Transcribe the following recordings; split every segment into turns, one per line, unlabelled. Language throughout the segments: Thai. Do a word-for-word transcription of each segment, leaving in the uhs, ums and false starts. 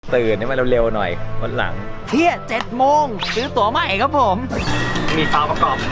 ตื่นให้มันเร็วๆหน่อยวันหลังเที่ยเจ็ดโมงซื้อตั๋วใหม่ครับผมมีซาวประกอบ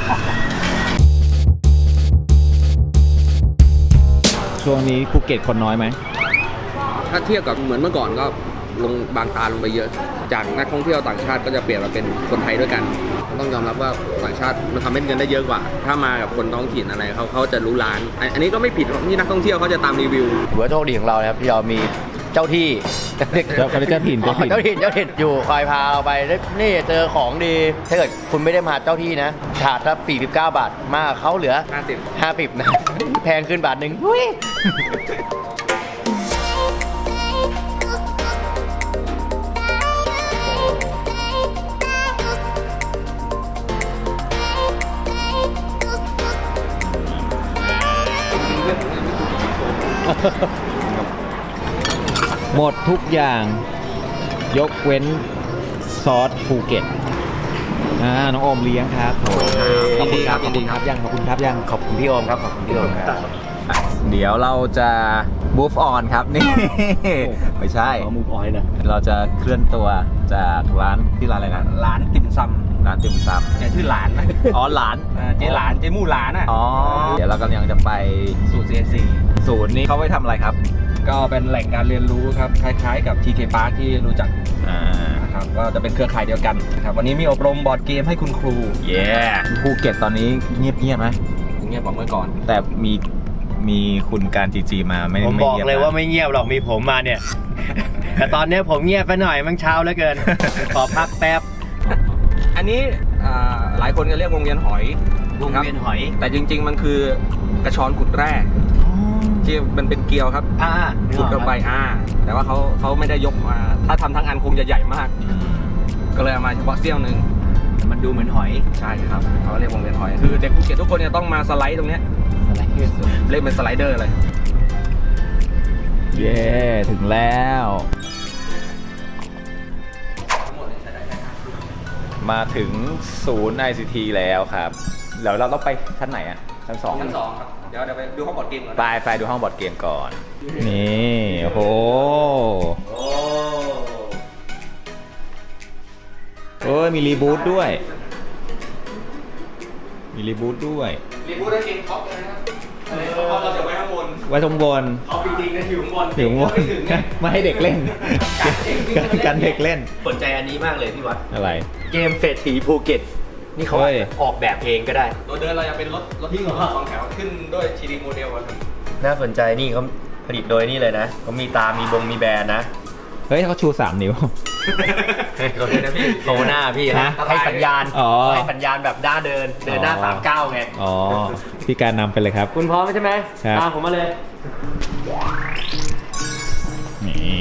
ช่วงนี้ภูเก็ตคนน้อยไหม
ถ้าเทียบกับเหมือนเมื่อก่อนก็ลงบางตาลงไปเยอะจากนักท่องเที่ยวต่างชาติก็จะเปลี่ยนมาเป็นคนไทยด้วยกันต้องยอมรับว่าต่างชาติมันทำให้เงินได้เยอะกว่าถ้ามากับคนท้องถิ่นอะไรเขาเขาจะรู้ร้านอันนี้ก็ไม่ผิดที่นักท่องเที่ยวเขาจะตามรีวิว
ถือว่าโชคดีของเรานะครับที่เรามีเจ้าที่
เจ้าเจ้าถิ่นเจ้าถิ่น
เจ้าถิ่นเจ้าถิ่นอยู่คอยพาเราไปนี่เจอของดีถ้าเกิดคุณไม่ได้มาเจ้าที่นะถาดละสี่สิบเก้าบาทมากเขาเหลือ
ห้าสิบ
ห้าสิบนะแพงขึ้นบาทหนึ่ง
หมดทุกอย่างยกเว้นซอสภูเก็ตอ่าน้องโอมเลี้ยงครับขอบคุณครับขอบคุณครับยังขอบคุณครับยัง
ขอบคุณพี่โอมครับขอบคุณพี่โอมครับ
เดี๋ยวเราจะ move on ครับนี่ไม่ใช่
move on นะ
เราจะเคลื่อนตัวจากร้านที่ร้านอะไรนะ
ร้านติ่มซำ
ร้านติ่มซำ
แกชื่อหลานนะ
อ๋อหลาน
เจ๊หลานเจ๊มู่หลานอ่ะ
อ๋อเดี๋ยวเรากำลังจะไป
สูตร ซี เอ็น ซี
ศูนย์นี้เขาไปทำอะไรครับ
ก็เป็นแหล่งการเรียนรู้ครับคล้ายๆกับ ที เค Park ที่รู้จักนะครับก็จะเป็นเครือข่ายเดียวกันนะครับวันนี้มีอบรมบอร์ดเกมให้คุณครู
เย้ภูเก็ตตอนนี้เงียบเงียบไหม
เงียบกว่าเมื่อก่อน
แต่มีมีคุณการจีจีมาไม่
ผมบอกเลยว่าไม่เงียบหรอกมีผมมาเนี่ยแต่ตอนนี้ผมเงียบไปหน่อยมันเช้าเหลือเกินขอพักแป๊บ
อันนี้หลายคนก็เรียกวงเวียนหอยว
งเวียนหอย
แต่จริงๆมันคือกระชอนขุดแร่ที่มันเป็นเกลียวครับ
อ่า
ขุดลงไปอ่าแต่ว่าเขาเขาไม่ได้ยกมาถ้าทำทั้งอันคงจะใหญ่มากก็เลยเอามาเฉพาะเสี้ยวหนึ่ง
มันดูเหมือนหอย
ใช่ครับเขาเรียกวงเวียนหอยคือเด็กภูเก็ตทุกคนเนี่ยต้องมาสไลด์ตรงเนี้ยเล่นเป็นสไลเดอร์เลย
เย้ถึงแล้วมาถึงศูนย์ ไอ ซี ที แล้วครับเดี๋ยวเราต้องไปชั้นไหนอ่ะชั้นสอง
ชั้นสองครับเดี๋ยวเดี๋ยวไปดูห้องบอร์ดเกมก่อน
ไปไปดูห้องบอร์ดเกมก่อนนี่โอ้โหเออมีรีบูทด้วยมีรีบูทด้วย
รีบูทได้เกมท็อปเลยนะครับเราจะไว้ข้างบน
ไว้ตรงบน
เอาจริงๆนะอยู่ข้างบน
อยู่ข้างบนไม่ให้เด็กเล่นกันเด็กเล่น
สนใจอันนี้มากเลยพี่วัด
อะไร
เกมเศรษฐีภูเก็ตนี่เขาออกแบบเองก็ได้
ตัวเดินเราจะเป็นรถรถที่สองแถวขึ้นด้วย ที ดี โมเดลกัน
น่าสนใจนี่เขาผลิตโดยนี่เลยนะเขามีตามีบงมีแบรนด์นะ
เฮ้ยเขาชูสามนิ้ว
เขาเดินนะพี่โซหน้าพี่นะให้สัญญาณให้สัญญาณแบบด้าเดินเดินหน้าสามเก้าไง
อ๋อพี่การนำไปเลยครับ
คุณพร้อมใช่ไหมตามผมมาเลย
นี่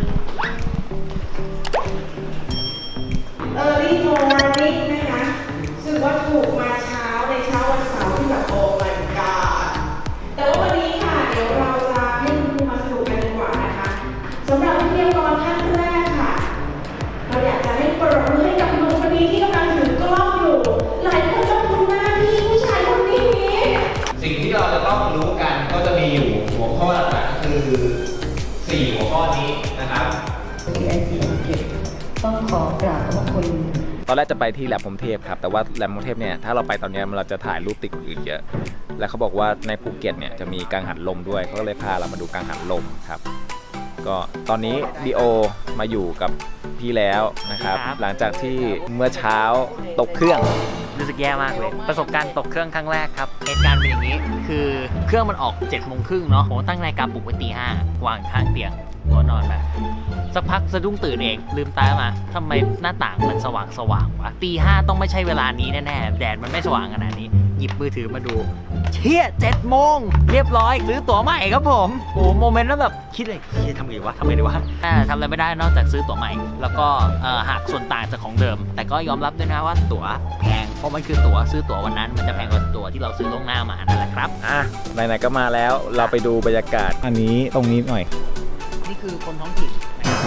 เออรี่โมร์นิ่งนะคะซึ่งว่าถูกมาเช้าในเช้าวันเสาร์ที่แบบโอ้ my god แต่ว่าวันนี้ค่ะเดี๋ยวเราจะให้คุณครูมาสรุปกันดีกว่านะคะสำหรับวิทยากรท่านแรกค่ะเราอยากจะให้ปรบมือให้กับหนุ่มคนนี้ที่กำลังถือกล้องอยู่หลายคนต้องคุ้นหน้าที่ผู้ชายคนนี้
สิ่งที่เราจะต้องรู้กันก็จะมีอยู่หัวข้อหลักๆคือสี่หัวข้อนี้นะครับ
ซี ไอ ซี ภูเก็ตต้องขอกราบขอบคุณ
ตอนแรกจะไปที่แลบพรหมเทพครับแต่ว่าแลบพรหมเทพเนี่ยถ้าเราไปตอนนี้เราจะถ่ายรูปติดคนอื่นเยอะและเขาบอกว่าในภูเก็ตเนี่ยจะมีกังหันลมด้วยเขาก็เลยพาเรามาดูกังหันลมครับก็ตอนนี้ดีโอมาอยู่กับพี่แล้วนะครับหลังจากที่เมื่อเช้าตกเครื่อง
รู้สึกแย่มากเลยประสบการณ์ตกเครื่องครั้งแรกครับเหตุการณ์เป็นอย่างนี้คือเครื่องมันออกเจ็ดโมงครึ่งเนาะผมตั้งนาฬิกาปลุกไว้ตีห้าวางข้างเตียงหัวนอนแบบสักพักสะดุ้งตื่นเองลืมตามาทำไมหน้าต่างมันสว่างสว่างวะตีห้าต้องไม่ใช่เวลานี้แน่ๆแดดมันไม่สว่างขนาดนี้หยิบมือถือมาดูเชี่ยเจ็ดโมงเรียบร้อยซื้อตั๋วใหม่ครับผมโอ้โมเมนต์นั้นแบบคิดเลยเชี่ยทำไงวะทำไงดีวะทำอะไรไม่ได้นอกจากซื้อตั๋วใหม่แล้วก็หักส่วนต่างจากของเดิมแต่ก็ยอมรับด้วยนะว่าตั๋วแพงเพราะมันคือตั๋วซื้อตั๋ววันนั้นมันจะแพงกว่าตั๋วที่เราซื้อล่วงหน้ามานั่นแหละครับ
อ่ะไหนๆก็มาแล้วเราไปดูบรรยากาศอันนี้ตรงนี้หน่อย
นี่คือคนท้องถิ่น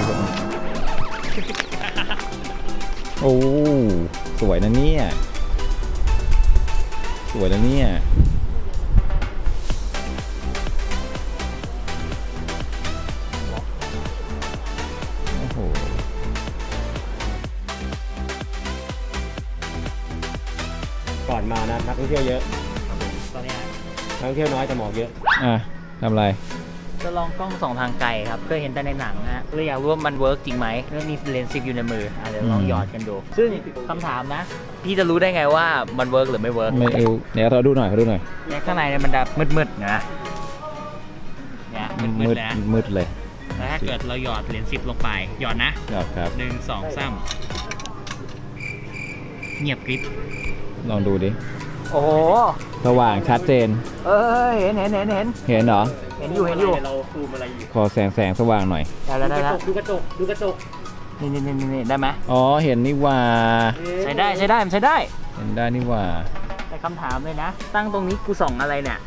โอ้สวยนะเนี่ยสวยนะเนี่ยโอ้โหห
ก่อนมานะนักท่องเที่ยวเยอะ
ตอนเนี้ย
นักท่องเที่ยวน้อยแต่หมอกเยอะ
อ่ะทำอะไร
จะลองกล้องส่องทางไกลครับเคยเห็นแต่ในหนังนะฮะเลยอยากรู้ว่ามันเวิร์กจริงไหมแล้วมีเลนส์สิบอยู่ในมืออ่ะเดี๋ยวลองหยอดกันดู ซึ่งคำถามนะ พี่จะรู้ได้ไงว่ามันเวิร์กหรือไม่เวิร์ก
ไม่เอาเดี๋ยวเราดูหน่อยเราดูหน่อย
เนี่ยข้างในเนี่ยมันจะมืดๆนะเนี่ยมืดๆเลยนะ
มืดเลย
แล้วถ้าเกิดเราหยอดเหรียญสิบลงไปหยอดนะครับ
ครับ
หนึ่งสองสามเงียบกริบ
ลองดูดิ
โอ้โห
สว่างชัดเจน
เอ้ยเห็นเห็นเห็นเห็น
เห็นเหรอ
เห็นอยู่เห็นอยู่
เราซูมอะไรอยู่
ขอแสงแสงสว่างหน่อย
ได้แล้วได้แล้ว
ดูกระจกดูกระจก
นี่นี่นี่นี่ได้ไหม
อ๋อ เห็นนี่ว่า
ใช้ได้ใช้ได้มันใช้ได้
เห็นได้นี่ว่า
แต่คำถามเลยนะ ตั้งตรงนี้กูส่องอะไรเนี่ย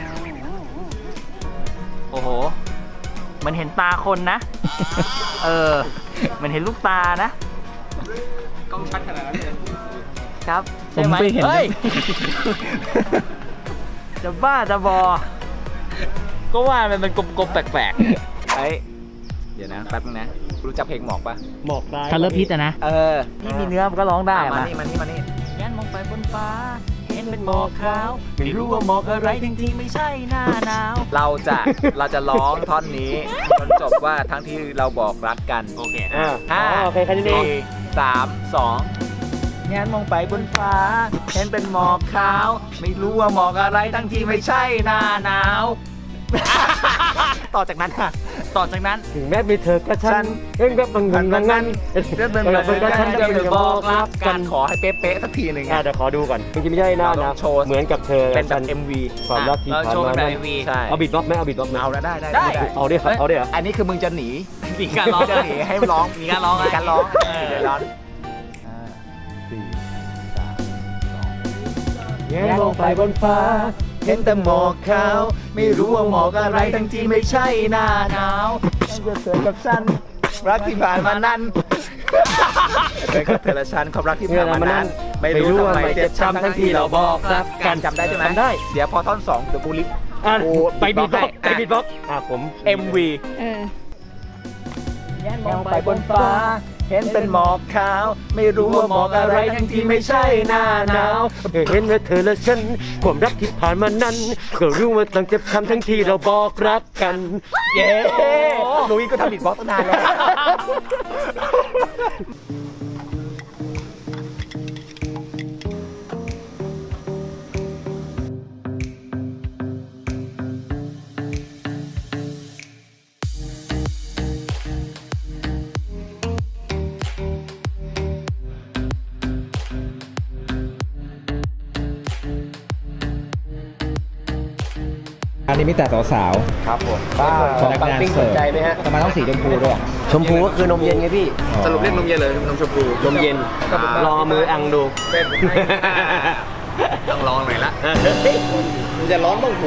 โอ้โห มันเห็นตาคนนะ เออ มันเห็นลูกตานะ
กล้องชัดขนาดนั้นเลย
ครับ
ผม
ใช่ไหม
ไม่เห็น
เฮ้ย จะบ้าจะบอ ก็ว่ามันเป็นกลมๆแปลกๆ
เฮ้ย เดี๋ยวนะ แป๊บนึงนะ รู้จักเพลงหมอกปะ
หมอกตาย
คัลเลอร์พิษอะนะ
เออ
ที่มีเนื้อมันก็ร้องได้
มา
มา
นี่มานี่มานี่
ยันมองไปบนฟ้า เห็นเป็นหมอกขาว ไม่รู้ว่าหมอกอะไรจริงๆไม่ใช่หน้าหนาว
เราจะเราจะร้องท่อนนี้จนจบว่าทั้งที่เราบอกรักกัน
โอเค
อ่า
ห้า
อ๋อโอเคแค่นี้เอง
สี่สามสองงานมองไปบนฟ้า เห็นเป็นหมอกขาว ไม่รู้ว่าหมอกอะไรทั้งที่ไม่ใช่หน้าหนาว ต่อจากนั้นค่ะ
ต่อจากนั้น
ถึงแม้มีเธอกับฉันเองแบบบางงบางงั้น
เรื่องเป็นแบบนั้นฉันจะไม่บอกรักกันขอให้เป๊ะๆสักทีหนึ่ง
อ่ะเดี๋ยวขอดูก่อนจริงๆไม่ใช่หน้า
เราต้
นะ
องโชว์
เหมือนกับเธอ
เป็นแบบ
ฉั
เอ็ม วี
ความรักที่
เรา
ผ่าน
โชว์
มา
เป็นแบบ
นั้น
เอ็มวี
ใช่
เอาบิดบ็อกซ์ไหมเอาบิดบ็อกซ์ไหม
เอาแล้วได้ได้
ได้
เอาดิครับเอาดิเหรอ
อันนี้คือมึงจะหนี
มีการร้อง
จะหนีให้ร้อง
มีการร้อง
มีการร้อง
เออ
เดี๋ยวร้อง
แงนลงไปบนฟ้า
เห็นแต่หมอกขาว ไม่รู้ว่าหมอกอะไรทั้งที่ไม่ใช่หน้าหนาวฉันจะเธอกับฉันรักที่ผ่านมานั้นเธอกับเธอและฉันความรักที่ผ่านมานั้นไม่รู้ทำไมเจ็บช้ำทั้งที่เราบอกรักกันจำได้ใช่ไหม
จำได้
เดี๋ยวพอท่อนสองเดี๋ยวกูลิฟ
อ่ะ
โอ้
ไปบิดบ็อกซ์
ให้
ไปบิดบ็อกซ์อ่ะผม
เอ็ม วี
เออ
มองไปบนฟ้า เห็นเป็นหมอกขาว ไม่รู้ว่าหมอกอะไรทั้งที่ไม่ใช่หน้าหนาว
เห็นว่าเธอและฉันความรักที่ผ่านมานั้นก็รู้ว่าต้องเจ็บช้ำทั้งที่เราบอกรักกัน
เย้ลุยก็ทำบิดบ็อกซ์ตั้งนานแล้ว อันนี้มีแต่สาว
ครับผม
ๆของ
ปังปิ้งสนใจไหมฮะ
ทำไมต้องสีชมพูด้วย
ชมพูก็คือนมเย็นไงพี่
สรุปเรียกนมเย็นเลยนมชมพู
นมเย็นลองเอามืออังดู
ต้องลองหน่อยละมันจะร้อนบ้างหู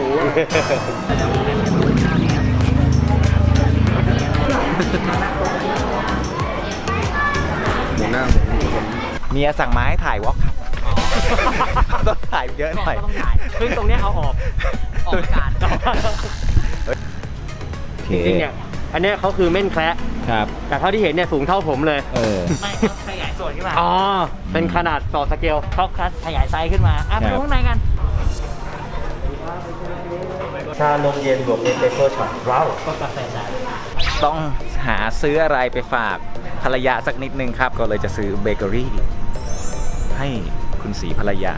หมูหน้า
เมียสั่งมาให้ถ่ายวอล์กครับต้องถ่ายเยอะหน่อย
ต้องถ่าย
ซึ่งตรงเนี้ยเอาออก
ออกอากาศ
จริงๆเนี่ยอันเนี้ยเขาคือเม่นแคระ
ครับ
แต่เท่าที่เห็นเนี่ยสูงเท่าผมเลย
เออ
ไม่เขาขยายส่วนขึ้นมา
อ๋อ เป็นขนาดต่อสเกล
เขาคัดขยายไซส์ขึ้นมา อ่ะไป
ครั
ดู
บ
ข้างในกัน
ชานมเย็นบวกเอสเปรสโซ่ช็อตว้าว
ก็กาแฟจาน
ต้องหาซื้ออะไรไปฝากภรรยาสักนิดนึงครับ ก็เลยจะซื้อเบเกอรี่ให้คุณสีภรรยา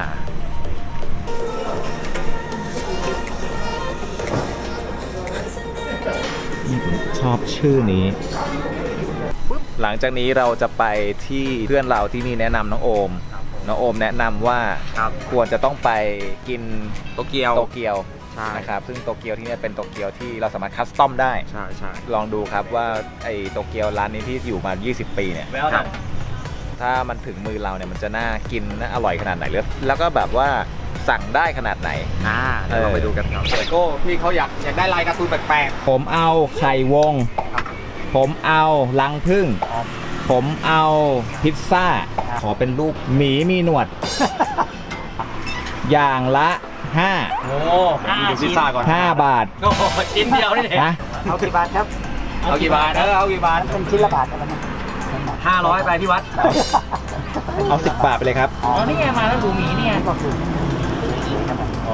ชอบชื่อนี้ หลังจากนี้เราจะไปที่เพื่อนเราที่นี่แนะนำน้องโอม น้องโอมแนะนำว่าควรจะต้องไปกิน
โตเกียว
โตเกียว
ใช่
นะครับซึ่งโตเกียวที่นี่เป็นโตเกียวที่เราสามารถคัสตอมได้
ใช่ใช่
ลองดูครับว่าไอ้โตเกียวร้านนี้ที่อยู่มา ยี่สิบ ปีเนี่ย
แววหนัง
ถ้ามันถึงมือเราเนี่ยมันจะน่ากินน่าอร่อยขนาดไหนหรือแล้วก็แบบว่าสั่งได้ขนาดไหน
อ่าเดี๋ยวเราไปดูกันครับเลโก้พี่เขาอยากอยากได้ลายการ์ตูนแปลก
ผมเอาไข่วง ผมเอาลังพึ่ง ผมเอาพิซซ่า ขอเป็นรูปหมีมีหนวด อย่างละห้า
โอ้ห้า
ๆดูพิ
ชิ้
ซ
น
ซ่าก่อน
ห้าบาท
โอ้โหชิ้นเดียวนี่เอง
นะ
เอากี่บาทครับ
เอากี่บาทเออเอากี่บาท
เป็นชิ้นละบาทอะไรนะ
ห้าร้อยไปพี่วัด
เอาสิบบาทไปเลยครับ
อ๋อนี่ไงมาแล้วหมูหมีนี่ไง
อ๋อ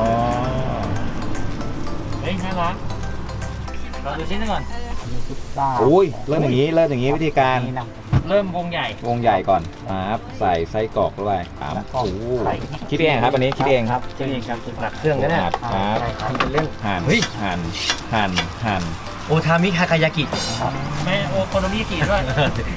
เฮ้ยน่ารักเราดูชิ้นหนึงก่อน
อุ้ยเริ่มอย่างนี้เริ่มอย่างนี้วิธีการ
เริ่มวงใหญ่
วงใหญ่ก่อนครับใส่ไส้กรอกด้วยครับโอ้โหคิดเองครับอันนี้คิดเองครับ
เช่นเองครับ
หนักเครื่องนะเนี่ย
ครับ
ทำเป็นเล่น
หั่น
เฮ้ย
หั่นหั่นหั่น
โอทามิคากายากิ
แม่โอโคโนมิยากิด้วย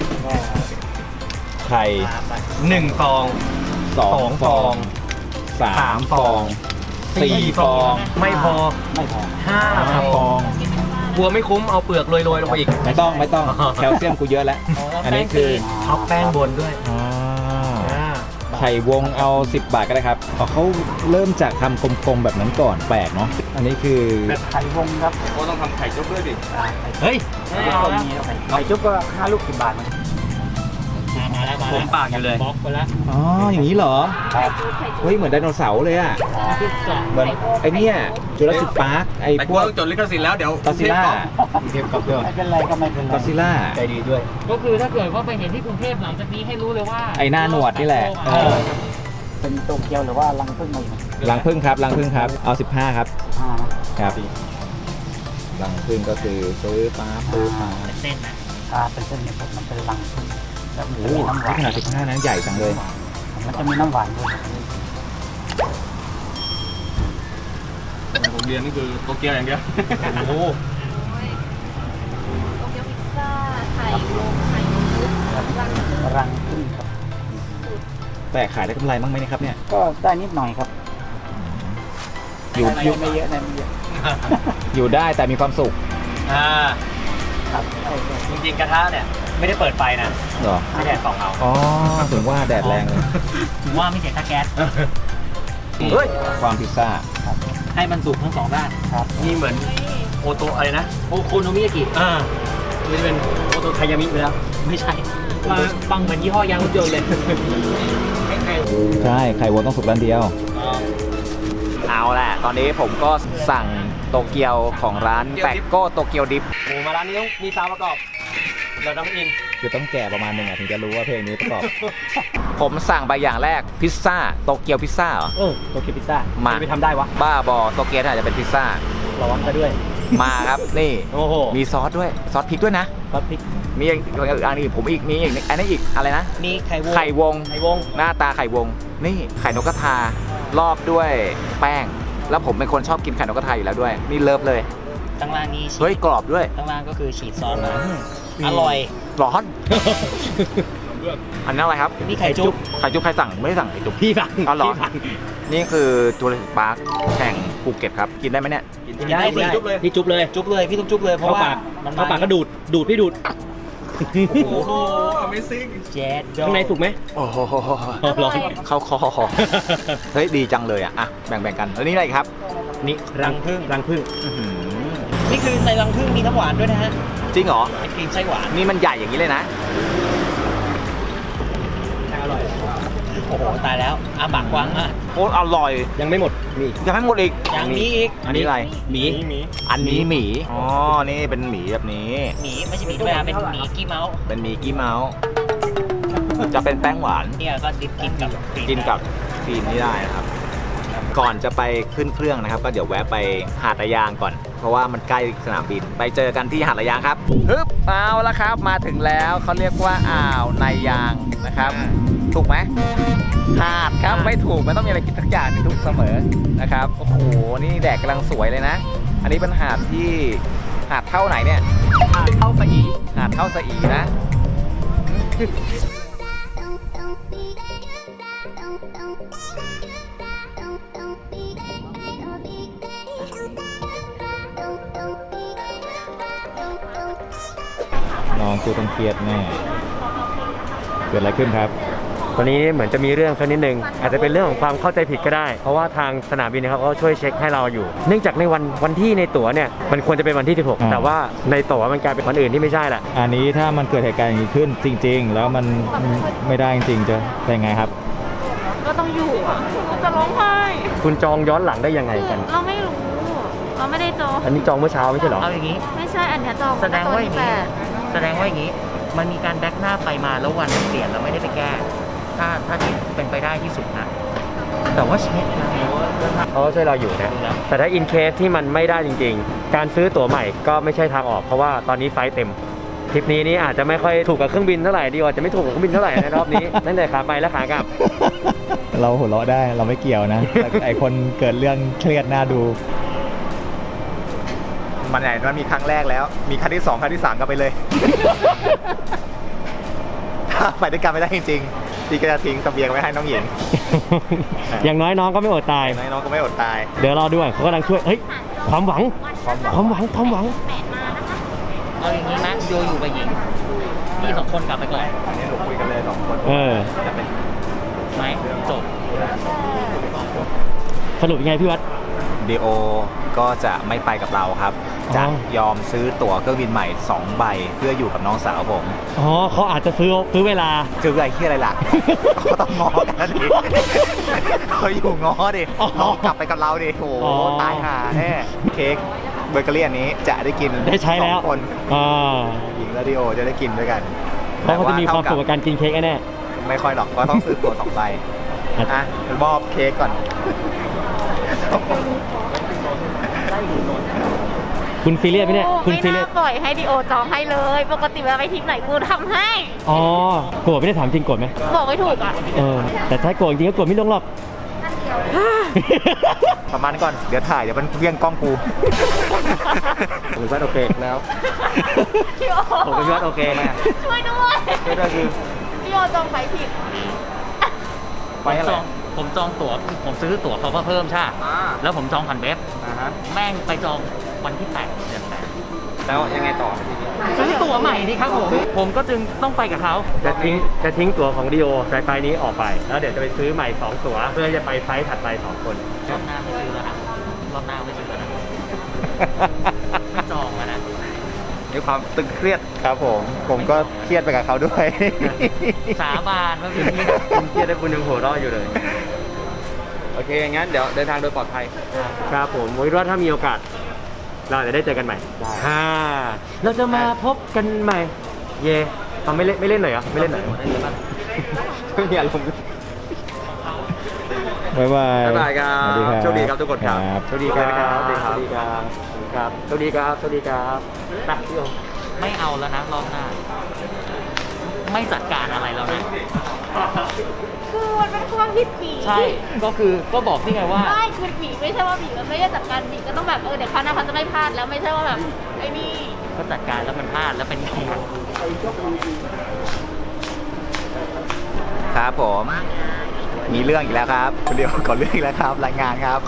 ไข่
หนึ่งฟอง
สอ
สอง ง
ฟ
ฟ
อ
อง ง
สามฟองสี่ฟอง
ไม่พอไม่พอห้า
ห้าฟอง
กลัวไม่คุ้มเอาเปลือกโรยๆลงไปอีก
ไม่ต้องไม่ต้องแคลเซียมกูเยอะแล้ว อันนี้คือ
ท็อปแป้งบนด้วย
อ่าไข่วงเอาสิบบาทก็ได้ครับอ๋อเขาเริ่มจากทำกลมๆแบบนั้นก่อนแปลกเนาะอันนี้คือ
ไข่วงครับ
ก็ต้องทำไข่จุ๊บด้วยดิ
เฮ้ย
ไม่เอาแล้ว
ไข่จุ๊บก็ห้าลูกสิบบาท
มาแล้วมา
ผ
แล้ว
มปากอยู่เลย
บล็อกไปแล้ว
อ๋ออย่างนี้เหรอเฮ้ยเหมือนไดโนเสาร์เลยอ่ะ
ที่สอง
เหมือนไอเนี่ยจูราสสิคพาร์คไอ
แต่
พ
กู
วก
ต้องจดลิขสิทธิ์แล้วเดี๋ยว
กอซิล่า
เทียบกับเพื่อนไม่เป็นไรก็ไม่เป็นไร
กอซิล่า
ใจดีด้วย
ก็คือถ้าเกิดว่าไปเห็นที่กรุงเทพหลังจากนี้ให้รู้เลยว่า
ไอ้หน้าหนวดนี่แหละ
เออ
เป็นโตเกียวหรือว่าลังพึ่งอะไร
รังพึ่งครับรังพึ่งครับเอาสิบห้าครับ
ห้า
ครับรังพึ่งก็คือซื้อป๊าบซื้อป๊าบ
เส้นนะ
ชาเป็นเส้นเนี่ยครับมันเป็นลังพึ่งแล้วมัน
โอ้
จะ
โห
มีน้ำหวาน
ขนาดสิบห้านั้นใหญ่จังเลย
มันจะมีน้ำหวานด้วย
ผมเรียนนี่คือโตเกียวอย่างเดียว
โอ้
โตเกียวพิซซ่า ไข่ลงไข่นมพุทรังพึ่ง
รังพึ่งครับ
แต่ขายได้กำไรบ้างไหมเนะครับเนี่ย
ก็ได้นิดหน่อยครับ
อยู่อยู่
ไม่เยอะนะไม่เยอะ
อยู่ได้แต่มีความสุข
อ่า
ครับใช่ใช่
จริงๆกระทะเนี่ย ไม่ได้เปิดไฟนะ
เหรอ
ไม่แดดส่องเอา
อ๋อถึงว่าแดดแรงเลย
ถือว่าไม่เสียค่าแก๊ส
เฮ้ย
ความพิซซ่า
ให้มันสุกทั้งสองด้าน
ครับ
นี่เหมือนโอโตอะไรนะ
โอโคโนมิยากิ
อ่ามันจะเป็นโอโตไทยามิไปแล้ว
ไม่ใช่มาฟังเหมือนยี่ห้อยางรถยนต์เลย
ใช่ไข่วัวต้องสุกด้านเดียวเอาแหละตอนนี้ผมก็สั่งโตเกียวของร้านแปกโก้โตเกียวดิฟ
โอ้มาร้านนี้ต้องมีซาวประกอบเราต้องอิน
คือต้องแก่ประมาณหนึ่งอะถึงจะรู้ว่าเพลงนี้ประกอบ ผมสั่งไปอย่างแรกพิซซ่าโตเกียวพิซซ่าเหรอ
เออโตเกียวพิซซ่า
มา
ไปทำได้วะ
บ้าบอโตเกียวน่าจะเป็นพิซซ่า
ร้อนซะด้วย
มาครับนี่
โอ้โห
มีซอสด้วยซอสพริกด้วยนะ
ซอสพริก
มีอีกอันนี้ผมอีกมีอีกอันนี้อีกอะไรนะ
มีไข่วง
ไข่วง
ไข่วง
หน้าตาไข่วง นี่ไข่นกกระทารอบด้วยแป้ง แล้วผมเป็นคนชอบกินไข่นกกระทาอยู่แล้วด้วย นี่เลิฟเลย
ข้างล่างนี้ฉี
เฮ้ย
ด
กรอบด้วย
ข้างล่างก็คือฉีดซอสมาอร่อย
ร้อน อันนี้อะไรครับ
นี่ไข่จุ๊บ
ไข่จุ๊บใครสั่งไม่ได้สั่งไข่จุ๊บ
พี่สั่ง
อ๋อเหรอ
พี่สั่ง
นี่คือจูราสสิคพาร์คแห่งภูเก็ตครับ กินได้ไหมเนี่ย
กินได้สิจุ๊บเลยพี่จุ๊บเลย
จุ๊บเลยพี่ต้องจุ๊บเลยเพราะว่า
มัน
มัน
เข้าปากก็ดูด ดูดพี่ดูด
โอ้โห Amazing
เจ็ด
ข้างในสุกไหม
โอ้โห
ร้อน
เข้าคอ เฮ้ย ดีจังเลยอ่ะ อ่ะ แบ่งๆกัน แล้วนี่อะไรอีกครับ
นี่รังพึ่งรังพึ่ง
อื้อหือ
นี่คือในรังผึ้งมีน้ำหวานด้วยนะฮะ
จริงเหรอ
ไอครีมไส้หวาน
นี่มันใหญ่อย่างนี้เลยนะ
อร่อย โอ้โห ตายแล้วอาปากกว้างมาก
โคตรอร่อย
ยังไม่หมด มีอีก
ยังไม่หมดอีก
ยังมีอีก
อันนี้อะไร
หมี
อันนี้หมี อ๋อ นี่เป็นหมีแบบนี้
หมีไม่ใช่หมีธรรมดาเป็นหมีกี้เมาส์
เป็นหมีกี้เมาส์ จะเป็นแป้งหวาน
เนี่ยก็ดิบกินกับครีม
กินกับครีมนี่ได้นะครับ ก่อนจะไปขึ้นเครื่องนะครับ ก็เดี๋ยวแวะไปหาดระยางก่อน เพราะว่ามันใกล้สนามบิน ไปเจอกันที่หาดระยางครับฮึบเอาละครับ มาถึงแล้วเขาเรียกว่าอ่าวนายยางนะครับ ถูกไหมหาดครับ ไม่ถูกมันต้องมีอะไรกินทักอย่างที่ถูกเสมอนะครับ โอ้โห นี่แดดกำลังสวยเลยนะ อันนี้เป็นหาดที่หาดเท่าไหนเนี่ย
หาดเข้าสะอี
หาดเท่าสะอีนะ น้องกูต้องเครียดแน่เกิดอะไรขึ้นครับ
วันนี้เหมือนจะมีเรื่องสักนิดนึงอาจจะเป็นเรื่องของความเข้าใจผิดก็ได้ เพราะว่าทางสนามบินนะครับก็ช่วยเช็คให้เราอยู่ เนื่องจากในวันวันที่ในตั๋วเนี่ยมันควรจะเป็นวันที่สิบหก
อ่า
แต่ว่าในตั๋วมันกลายเป็นวันอื่นที่ไม่ใช่แหละ
อันนี้ถ้ามันเกิดเหตุการณ์อย่างนี้ขึ้นจริง ๆ แล้วมันไม่ได้จริงๆจะเป็นไงครับ
ก็ต้องอยู่อ่ะจะร้องไห้
คุณจองย้อนหลังได้ยังไงกัน
เราไม่รู้ เราไม่ได้จอง
อันนี้จองเมื่อเช้าไม่ใช่เหรอ
เอาอย่างนี้
ไม่ใช่อันเนี้ยจอง
แสดงว่าอย่างนี้
นี้
แสดงว่าอย่างนี้มันมีการแดกหน้าไปมาแล้ววันมันเปลี่ยนแล้วไม่ได้ไปแก้ ถ้าถ้าที่เป็นไปได้ที่สุดนะ แต่ว่าเช็คนะ
เขาก็ช่วยเราอยู่นะ แต่ถ้าอินเคสที่มันไม่ได้จริงๆ การซื้อตั๋วใหม่ก็ไม่ใช่ทางออกเพราะว่าตอนนี้ไฟล์เต็มทริปนี้นี่อาจจะไม่ค่อยถูกกับเครื่องบินเท่าไหร่ดีกว่าจะไม่ถูกกับเครื่องบินเท่าไหร่ในรอบนี้ ตั้งแต่ขาไปและขากลับ
เราหัวเราะได้เราไม่เกี่ยวนะ แต่ไอคนเกิดเรื่องเครียดน่าดู
มันไหนมันมีครั้งแรกแล้ว มีครั้งที่สองครั้งที่สามก็ไปเลย ถ้าไปด้วยกันไม่ได้จริงๆพี่ก็จะทิ้งเสบียงไว้ให้น้องหญิง
อย่างน้อยน้องก็ไม่อดตาย
น้องก็ไม่อดตาย
เดี๋ยวรอด้วยเขากำลังช่วยเฮ้ยความหวังความหวังความหวัง
เอาอย่างนี้นะโยอยู่กับหญิงพี่สองคนกลับไปก่อน
อันนี้หนูคุยกันเลยสองคน
เออ
จะเป็น
ไหมจบ
สรุปยังไงพี่วัด
ดีโอก็จะไม่ไปกับเราครับ
อ๋อ
จะยอมซื้อตั๋วเครื่องบินใหม่สองใบเพื่ออยู่กับน้องสาวผม
อ๋อเขาอาจจะซื้อซื้อเวลา
คืออะไรที่อะไรล่ะ เขาต้องง้อกันนะดิเขาอยู่ง้อดิ
อ๋อ
น้องกลับไปกับเราดิโอ้โห
อ๋อ
ตายห่าแน่เค้กเบเกอรี่อันนี้จะได้กิน
ได้ใช้แล้ว
สองคน
อ่า
หญิงและดีโอจะได้กินด้วยกัน
เพราะเขาจะมีความสุขกับการกินเค้กแน่
ไม่ค่อยหรอกก็ต้องซื้อตั๋วสองใบ
อ่ะ
อ่ะมอบเค้กก่อน
คุณซีเรียสไหมเนี่ยคุณ
ไม่
ซีเรี
น่าย
ส
ปล่อยให้ดีโอจองให้เลย ปกติเวลาไปทริปไหนกูทำให้
อ๋อโกรธไม่ได้ถามจริงโกรธไหม
บอกไม่ถูกอ่ะ
เออแต่ถ้าโกรธจริงก็โกรธไม่ลงหรอก
ประมาณนี้ก่อนเดี๋ยวถ่ายเดี๋ยวมันเวียงกล้องกู
ผมว่าโอเคแล้ว
พี่โอ
ผมก็ว่าโอเคไหม
ช่วยด้วย
ช่วยด้วยคือ
พี่โอจองไฟผิด
ผมจองผมจองตั๋วผมซื้อตั๋วเขาเพิ่มใช่ปะแล้วผมจองผ่านเว็บแม่งไปจองวันที่แปดเดือนแปด
แล้วยังไงต่อ
ซื้อตั๋วใหม่ดิครับผม ผมก็จึงต้องไปกับเขา
จะทิ้งจะทิ้งตั๋วของดีโอไฟล์นี้ออกไป แล้วเดี๋ยวจะไปซื้อใหม่สองตั๋วเพื่อจะไปไฟล์ถัดไปสองคน
รอบหน้าไม่ซื้อแล้วนะรอบหน้าไม่ซื้อแล้วนะไม่จองแล้วนะ
มีความตึงเครียดครับผม ผมก็เครียดไปกับเขาด้วย
สาบานว่าพี่
คุณเครียดได้คุณยังหัวเราะอยู่เลย
โอเค งั้นเดี๋ยวเดินทางโดยปลอดภัย
ครับผมวิว่าถ้ามีโอกาส เราจะได้เจอกันใหม่ฮ่าเราจะมาพบกันใหม่ เย่เอาไม่เล่นไม่เล่นหน่อยเหรอไม่เล่นหน่อย
ไม่มีอารมณ์
บ๊ายบาย
บ๊ายบายครับ
สวัสดีครับ
โชคดีครับทุกคนครับ
สวัสดีครับสวัสดีครับสวัสดีครับครับสวัสดีครับสวัสดีครับไปพี่โอ
ไม่เอาแล้วนะรอบหน้า ไม่จัดการอะไรแล้วนะ
คือมันเป็นความผิดผี
ใช่ ก็คือก็บอกนี่ไงว่า
ไม่คือผีไม่ใช่ว่าผีมันไม่ได้จัดการผีก็ต้องแบบเออเดี๋ยวคราวหน้าเขาจะไม่พลาดแล้วไม่ใช่ว่าแบบไอ้นี่
ก็จัดการแล้วมันพลาดแล้วเป็นครู
ครับผม มีเรื่องอีกแล้วครับคุณเดียวก่อนเรื่องอีกแล้วครับ รายงานครับ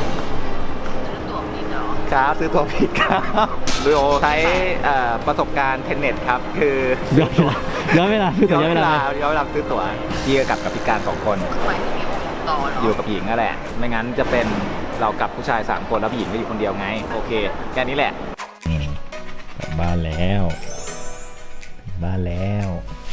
ครับซื้อตัวผิดครับดูโอใช้เอ่อประสบการณ์เทนเน็ตครับ คือ
ย้อนเวลาย้อนเวลาคือย้อนเวลา
ย้อนเวลาซื้อตั๋วพี่ก็กลับกับพิการสองคน อยู่กับหญิงนั่นแหละ ไม่งั้นจะเป็นเรากับผู้ชายสามคนแล้วผู้หญิงก็อยู่คนเดียวไง โอเค แค่นี้แหละ
กลับบ้านแล้วกลับบ้านแล้ว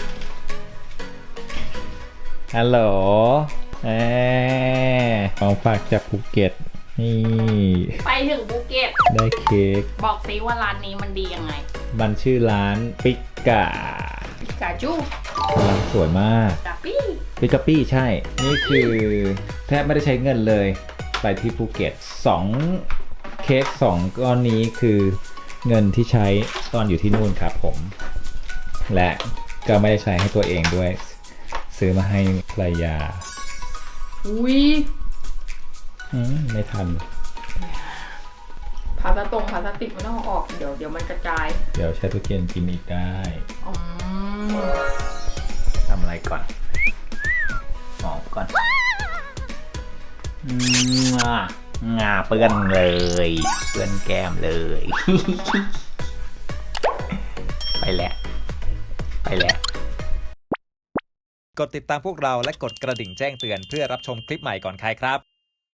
ฮัลโหลเออของฝากจากภูเก็ตนี่
ไปถึงภูเก็ต
ได้เค้ก
บอกซิว่าร้านนี้มันดียังไง
มันชื่อร้านปิกา
กาจู
ร้านสวยมาก
กาปี้
ปิกาปี้ใช่ นี่คือแทบไม่ได้ใช้เงินเลย ไปที่ภูเก็ตสองเค้กสองก้อนนี้คือเงินที่ใช้ตอนอยู่ที่นู่นครับผม และก็ไม่ได้ใช้ให้ตัวเองด้วย ซื้อมาให้ภรรยา
อุ้ย
อืมไม่ทัน
พลาสตรงพลาสติกมันต้องเอาออกเดี๋ยวเดี๋ยวมันกระจาย
เดี๋ยวใช้ตู้เย็นกินอีกได้
อืม
ทำอะไรก่อนหอมก่อนอืมอ่ะงาเปื้อนเลย เปื้อนแก้มเลย ไปแล้ว ไปแล้ว
กดติดตามพวกเราและกดกระดิ่งแจ้งเตือนเพื่อรับชมคลิปใหม่ก่อนใครครับ